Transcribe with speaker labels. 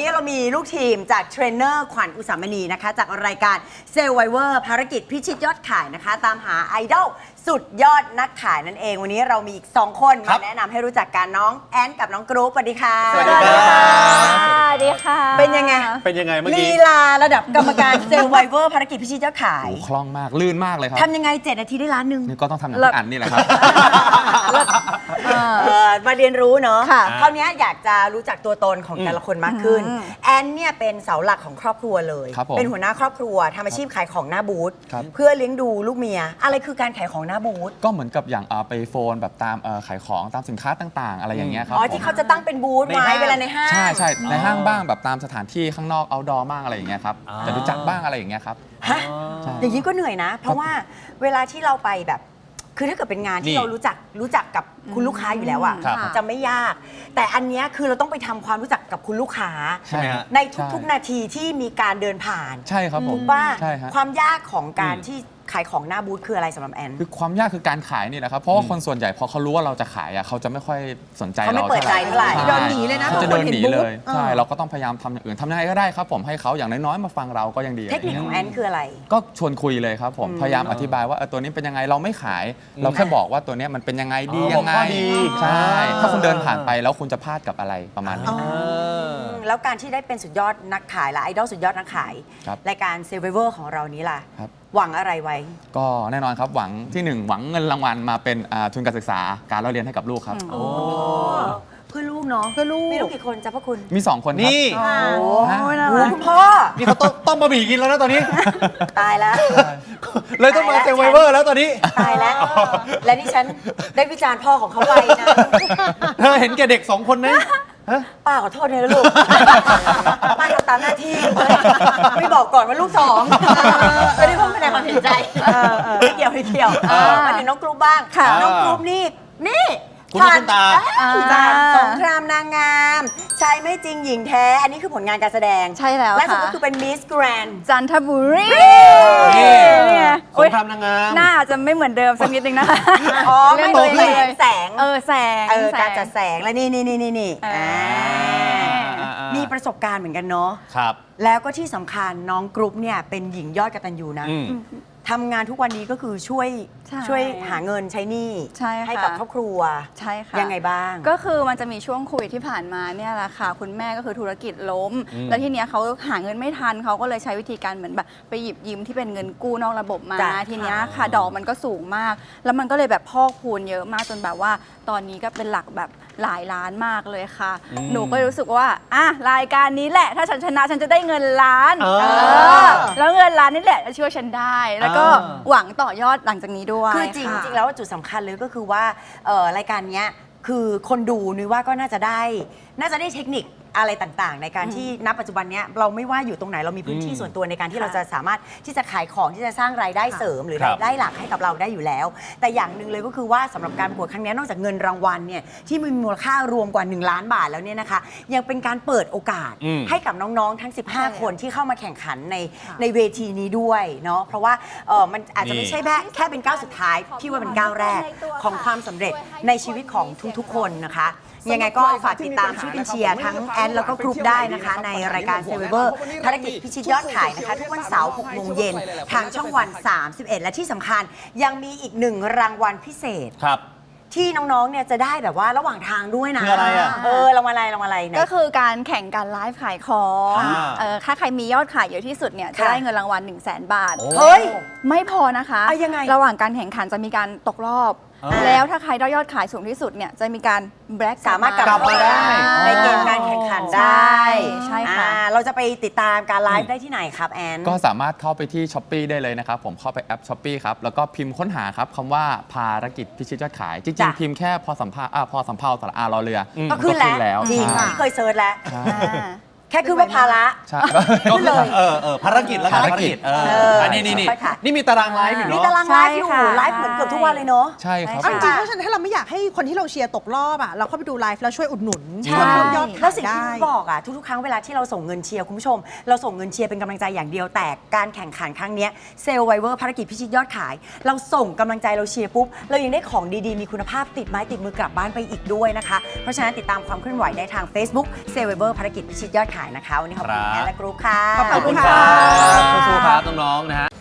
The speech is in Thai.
Speaker 1: นี้เรามีลูกทีมจากเทรนเนอร์ขวัญอุสามณีนะคะจากรายการเซลล์ไวเวอร์ภารกิจพิชิตยอดขายนะคะตามหาไอดอลสุดยอดนักขายนั่นเองวันนี้เรามีอีก2คนมาแนะนำให้รู้จักกันน้องแอนกับน้องกรุ๊ปสวัสดีค่ะ
Speaker 2: สวัสดีค่ะ
Speaker 3: สวัสดีค่ะ
Speaker 1: เป็นยังไง
Speaker 2: เป็นยังไงเมื่อ
Speaker 1: ลี
Speaker 2: กี้
Speaker 1: ลาระดับกรรมการเซลล์ไวเวอร์ภารกิจพิชิตยอดขาย
Speaker 4: โอ้คล่องมากลื่นมากเลยครับ
Speaker 1: ทำยังไง7 นาทีได้ล้านหนึ่ง
Speaker 4: นี่ก็ต้องทำอย่างที่อันนี่แหละครับ
Speaker 1: มาเรียนรู้เนาะ
Speaker 3: ค่ะ
Speaker 1: คราวนี้อยากจะรู้จักตัวตนของแต่ละคนมากขึ้น
Speaker 3: อืม
Speaker 1: แอนเนี่ยเป็นเสาหลักของครอบครัวเลย
Speaker 4: ครับผม
Speaker 1: เป็นหัวหน้าครอบครัวทำอาชีพขายของหน้าบูธ
Speaker 4: ครับ
Speaker 1: เพื่อเลี้ยงดูลูกเมีย อะไรคือการขายของหน้าบูธ
Speaker 4: ก็เหมือนกับอย่างไปโฟนแบบตามขายของตามสินค้าต่างๆ อะไรอย่างเงี้ยครับ
Speaker 1: อ๋อ
Speaker 4: ผม
Speaker 1: ที่เขาจะตั้งเป็นบูธ
Speaker 2: ใน
Speaker 1: ไว้
Speaker 2: ห้าง
Speaker 1: เวลาในห้าง
Speaker 4: ใช่ใช่ในห้างบ้างแบบตามสถานที่ข้างนอกเอาดอบ้างอะไรอย่างเงี้ยครับ
Speaker 2: อ๋อ
Speaker 4: จะรู้จักบ้างอะไรอย่างเงี้ยครับ
Speaker 1: ฮะ
Speaker 4: ใช่
Speaker 1: อย่างนี้ก็เหนื่อยนะ เพราะว่าเวลาที่เราไปแบบ คือถ้าเกิดเป็นงาน
Speaker 2: นี่
Speaker 1: ที่เรารู้จักกับคุณลูกค้าอยู่แล้วอะ
Speaker 4: ครับ
Speaker 1: จะไม่ยาก แต่อันเนี้ยคือเราต้องไปทำความรู้จักกับคุณลูกค้า
Speaker 4: ใช่ฮะ
Speaker 1: ในทุกๆนาทีที่มีการเดินผ่าน
Speaker 4: ใช่ครับผม
Speaker 1: ถูกป่ะ
Speaker 4: ใช่ฮะ
Speaker 1: ความยากของการที่ขายของหน้าบูธคืออะไรสำหรับแอน
Speaker 4: คือความยากคือการขายนี่แหละครับเพราะว่าคนส่วนใหญ่พอเขารู้ว่าเราจะขายเขาจะไม่ค่อยสนใจ
Speaker 1: เขาไม่
Speaker 4: เรา
Speaker 1: เปิดใจเท่าไหร่
Speaker 4: ใช่
Speaker 3: เดินหนีเลยนะ
Speaker 4: เขาจะเดินหนีเลย
Speaker 3: เออ
Speaker 4: ใช่เราก็ต้องพยายามทำอย่างอื่นทำยังไงก็ได้ครับผมให้เขาอย่างน้อยๆมาฟังเราก็ยังดี
Speaker 1: เทคนิคของแอนคืออะไร
Speaker 4: ก็ชวนคุยเลยครับผมพยายามอธิบายว่าตัวนี้เป็นยังไงเราไม่ขาย เราแค่บอกว่าตัวนี้มันเป็นยังไงดียังไง
Speaker 2: บอกข้อดี
Speaker 4: ใช่ถ้าคุณเดินผ่านไปแล้วคุณจะพลาดกับอะไรประมาณนี้
Speaker 1: แล้วการที่ได้เป็นสุดยอดนักขายและไอดอลสุดยอดนักขาย
Speaker 4: ครับ
Speaker 1: รายการเซเวอร์ของเรานี้ล่ะ
Speaker 4: ครับ
Speaker 1: หวังอะไรไว้
Speaker 4: ก็แน่นอนครับหวังที่หนึ่งหวังเงินรางวัลมาเป็นทุนการศึกษาการเล่าเรียนให้กับลูกครับ
Speaker 1: โอ้เพื่อลูกเนาะ
Speaker 3: เพื่อลูก
Speaker 1: มีลูกกี่คนจ้ะพ่อคุณ
Speaker 4: มี 2 คนครับ
Speaker 2: นี่
Speaker 1: โอ้
Speaker 4: ฮะ
Speaker 3: น่า
Speaker 1: โห
Speaker 3: รัก
Speaker 1: คุณพ่อ
Speaker 2: นี่เขาต้มบะหมี่กินแล้วนะตอนนี้
Speaker 1: ตายแล้ว
Speaker 2: เลยต้องมาเซลไวเวอร์แล้วตอนนี้
Speaker 1: ตายแล้ว และนี่ฉันได้วิจารณ์พ่อของเขาไปนะ
Speaker 2: เธอเห็นแก่เด็ก2 คนไหมฮะ
Speaker 1: ป้าขอโทษเลยนะลูก ป้าทำตามหน้าที่ไม่บอกก่อนว่าลูก2ไม่ได้พูดแสดงความเห็นใจไม่เกี่ยวไม่เกี่ยวมาถึงน้องกรุ๊ปบ้าง
Speaker 3: ค่ะ
Speaker 1: น้องกรุ๊ปนี่
Speaker 2: คุณลูกคุณตา
Speaker 1: ผ่านสงครามนางงามชายไม่จริงหญิงแท้ อันนี้คือผลงานการแสดง
Speaker 3: ใช่แล้ว
Speaker 1: และสุด
Speaker 3: ค่ะ
Speaker 1: ก็คือเป็นมิสแกรนด์
Speaker 3: จันทบุรี
Speaker 2: นี่
Speaker 3: เนี่ย
Speaker 2: ส
Speaker 3: โอ๊
Speaker 2: ง
Speaker 3: ย
Speaker 2: ครามนางงาม
Speaker 3: หน้าอาจจะไม่เหมือนเดิมสักนิดนึงนะคะ
Speaker 1: อ๋อ
Speaker 3: เล่
Speaker 1: ไม่
Speaker 3: น
Speaker 1: เหมือน
Speaker 3: ตัวเอง
Speaker 1: แสง
Speaker 3: แสง
Speaker 1: การจัดแสงและนี่
Speaker 3: เออ
Speaker 1: มีประสบการณ์เหมือนกันเนาะ
Speaker 2: ครับ
Speaker 1: แล้วก็ที่สำคัญน้องกรุ๊ปเนี่ยเป็นหญิงยอดกตัญญูนะ
Speaker 2: อืม
Speaker 1: ทำงานทุกวันนี้ก็คือช่วยหาเงินใช้หนี้
Speaker 3: ใช่ค่ะ
Speaker 1: กับครอบครัว
Speaker 3: ใช่ค่ะ
Speaker 1: ยังไงบ้าง
Speaker 3: ก็คือมันจะมีช่วงโควิดที่ผ่านมาเนี่ยแหละค่ะ คุณแม่ก็คือธุรกิจล้ม
Speaker 2: อืม
Speaker 3: แล้วทีเนี้ยเขาหาเงินไม่ทันเขาก็เลยใช้วิธีการเหมือนแบบไปหยิบยืมที่เป็นเงินกู้นอกระบบมา
Speaker 1: จ้ะ
Speaker 3: ทีเนี้ยค่ะดอกมันก็สูงมาก แล้วมันก็เลยแบบพอกพูนเยอะมากจนแบบว่า ตอนนี้ก็เป็นหลักแบบหลายล้านมากเลยค่ะ
Speaker 2: อืม
Speaker 3: หนูก็รู้สึกว่าอ่ะรายการนี้แหละ ถ้าฉันชนะฉันจะได้เงินล้าน
Speaker 2: เออ
Speaker 3: แล้วเงินล้านนี่แหละจะช่วยฉันได้ แล้วก็
Speaker 2: อ่า
Speaker 3: หวังต่อยอดหลังจากนี้ด้วย
Speaker 1: คือจริง
Speaker 3: ค่ะ
Speaker 1: จริงแล้วจุดสำคัญเลยก็คือว่ารายการเนี้ยคือคนดูนุ้ยว่าก็น่าจะได้เทคนิคอะไรต่างๆ ในการที่ณปัจจุบันเนี้ยเราไม่ว่าอยู่ตรงไหนเรามีพื้นที่ส่วนตัวในการที่เราจะสามารถที่จะขายของที่จะสร้างรายได้เสริมหรือ
Speaker 2: ครับ
Speaker 1: รายได้หลักให้กับเราได้อยู่แล้ว แต่อย่างหนึ่งเลยก็คือว่าสำหรับการประกวดครั้งนี้นอกจากเงินรางวัลเนี่ยที่มีมูลค่ารวมกว่า1 ล้านบาทแล้วเนี่ยนะคะยังเป็นการเปิดโอกาส
Speaker 2: อืม
Speaker 1: ให้กับน้องๆทั้ง 15 คนที่เข้ามาแข่งขันในเวทีนี้ด้วยเนาะเพราะว่ามันอาจจะไม่ใช่แค่เป็นก้าวสุดท้ายพี่ว่าเป็นก้าวแรกของความสำเร็จในชีวิตของทุกๆ คนนะคะ ยังไงก็ฝากติดตามช่วยกันเชียร์ทั้งแอนแล้วก็กรุ๊ปได้นะคะ ในรายการเซเวอร์ภารกิจพิชิตยอดขายนะคะ ทุกวันเสาร์6 โมงเย็นทางช่องวัน 31 และที่สำคัญยังมีอีก1 รางวัลพิเศษ
Speaker 2: ครับ
Speaker 1: ที่น้องๆเนี่ยจะได้แบบว่าระหว่างทางด้วยนะ
Speaker 2: คืออะไรอะ
Speaker 1: รางวัลอะไรเนี่ย
Speaker 3: ก็คือการแข่งการไลฟ์ขายของ
Speaker 2: อ่า
Speaker 3: ถ้าใครมียอดขายเยอะที่สุดเนี่ยจะ
Speaker 1: ค่ะ
Speaker 3: ได้เงินรางวัล 1 0 0 0 0แบาท
Speaker 2: โอ้
Speaker 1: เฮ้ย
Speaker 3: ไม่พอนะคะ
Speaker 1: เอายังไง
Speaker 3: ระหว่างการแข่งขันจะมีการตกรอบ แล้วถ้าใครได้ยอดขายสูงที่สุดเนี่ยจะมีการแบล็ก
Speaker 1: สามารถกลับ
Speaker 2: มาได้
Speaker 1: ในเกมการแข่งขันได้
Speaker 3: ใช่ค่ะ
Speaker 1: เราจะไปติดตามการไลฟ์ได้ที่ไหนครับแอน
Speaker 4: ก็สามารถเข้าไปที่ s h อ p e e ได้เลยนะครับผมเข้าไปแอป s h อ p e e ครับแล้วก็พิมพ์ค้นหาครับคำว่าภารกิจพิชิตยอดขาย จริง
Speaker 1: จ้ะ
Speaker 4: ๆ พิมพ์แค่พอสำเภาสระอารอเรืออ
Speaker 1: ก็ขึ้นแล้วจริง
Speaker 4: ใช่
Speaker 1: ที่เคยเซิร์ชแล้ว
Speaker 4: ใช่
Speaker 1: แค่คือว่าภาระ
Speaker 4: ใช่
Speaker 2: ก็คือภารกิจแล้วกัน
Speaker 4: ภารกิจ
Speaker 2: อันนี้
Speaker 1: ใช่ค่ะ
Speaker 2: นี่มีตารางไลฟ์อยู่
Speaker 1: มี
Speaker 2: เนาะ
Speaker 1: ตารางไลฟ์อยู่
Speaker 3: ใช่ค่ะ
Speaker 1: ไลฟ์เหมือนเกือบทุกวันเลยเนาะ
Speaker 4: ใช่ครับ
Speaker 1: ใช่
Speaker 5: จริงๆเพราะฉะนั้นถ้าเราไม่อยากให้คนที่เราเชียร์ตกรอบอ่ะเราเข้าไปดูไลฟ์แล้วช่วยอุดหนุน
Speaker 1: ใช่
Speaker 5: ช่วยเพิ่มยอด
Speaker 1: แล้
Speaker 5: ขา
Speaker 1: วย สิ่งที่
Speaker 5: ได้
Speaker 1: นุ้ยบอกอ่ะทุกๆครั้งเวลาที่เราส่งเงินเชียร์คุณผู้ชม เราส่งเงินเชียร์เป็นกำลังใจอย่างเดียวแต่การแข่งขันครั้งเนี้เซลล์ไวเวอร์ภารกิจพิชิตยอดขาย เราส่งกำลังใจเราเชียร์ปุ๊บเรายังได้ของดีๆมีคุณภาพติดไม้ติดมือกลับบ้านไปอีกด้วยนะคะเพราะฉะนั้นติดตามความเคลื่อนไหวได้ทาง Facebook เซลล์ไวเวอร์ภารกิจพิชิตยอดขายขายนะคะวันนี้ขอบคุณ
Speaker 2: ครับ
Speaker 1: แอนและกรุ๊ปค่ะ
Speaker 5: ขอบ
Speaker 2: ขอบคุณ
Speaker 5: ณ
Speaker 2: ค
Speaker 5: ค่ะ
Speaker 2: รับสู้ๆครับน้องๆนะฮะ